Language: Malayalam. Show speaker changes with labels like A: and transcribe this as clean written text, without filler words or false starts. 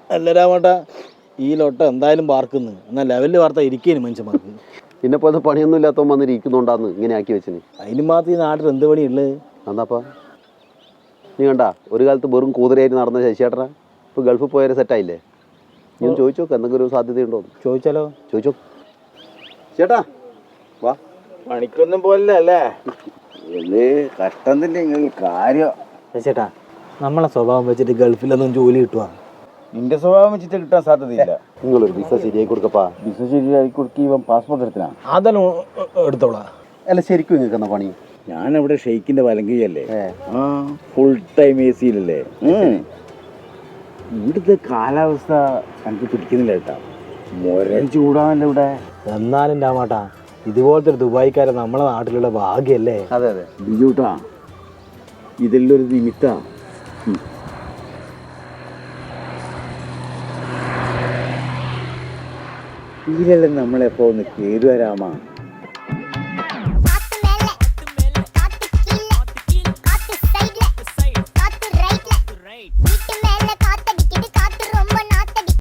A: അല്ല രാമേട്ടാ, ഈ ലോട്ട എന്തായാലും പാർക്കുന്നു. എന്നാൽ ലെവലിൽ വാർത്ത ഇരിക്കേനും മനുഷ്യന്മാർക്ക്.
B: പിന്നെ പോലെ പണിയൊന്നും ഇല്ലാത്തവൻ വന്നിട്ട് ഇരിക്കുന്നുണ്ടാന്ന് ഇങ്ങനെ ആക്കി വെച്ചിന്.
A: അതിന് മാത്രം ഈ നാട്ടിൽ എന്ത് പണിയുള്ളത്?
B: എന്നാപ്പാ നീ കണ്ടാ ഒരു കാലത്ത് വെറും കൂതിരയായിട്ട് നടന്ന ശശിയേട്ടനാ ഇപ്പോൾ ഗൾഫിൽ പോയാൽ സെറ്റായില്ലേ? ഞാൻ ചോദിച്ചു നോക്ക് എന്തെങ്കിലും ഒരു സാധ്യതയുണ്ടോ?
A: ചോദിച്ചാലോ?
B: ചോദിച്ചോ ചേട്ടാ. വാ,
A: പണിക്കൊന്നും പോലല്ലേ?
C: ഇത് കഷ്ടം തന്നെ നിങ്ങൾക്ക് കാര്യം.
A: ചേട്ടാ, നമ്മളെ സ്വഭാവം വെച്ചിട്ട് ഗൾഫിലൊന്നും ജോലി കിട്ടുവാ?
C: നിന്റെ സ്വഭാവം വെച്ചിട്ട് കിട്ടാൻ സാധ്യതയില്ല.
B: നിങ്ങളൊരു വിസ ശരിയായി കൊടുക്കപ്പാ.
C: വിസ ശരിയായി കൊടുക്കി ഇവൻ പാസ്പോർട്ട് എടുത്തിനാ.
A: അതെല്ലാം എടുത്തോളാ.
B: അല്ല ശരിക്കും നിങ്ങൾക്ക് എന്നാ പണി?
C: ഞാനവിടെ ഷെയ്ക്കിന്റെ വലങ്കയല്ലേ. ആ, ഫുൾ ടൈം എ സിയിലല്ലേ. ഇവിടുത്തെ കാലാവസ്ഥ എനിക്ക് പിടിക്കുന്നില്ല കേട്ടാ. മുരൻ ചൂടാണല്ലോ ഇവിടെ.
A: എന്നാലും രാമാട്ടാ, ഇതുപോലത്തെ ഒരു ദുബായിക്കാരൻ നമ്മളെ നാട്ടിലുള്ള ഭാഗ്യല്ലേ?
B: അതെ അതെ
C: ബിജൂട്ടാ, ഇതെല്ലാം ഒരു നിമിത്ത. ഇതിലെല്ലാം നമ്മളെപ്പോ ഒന്ന് കേടുവരാമാ.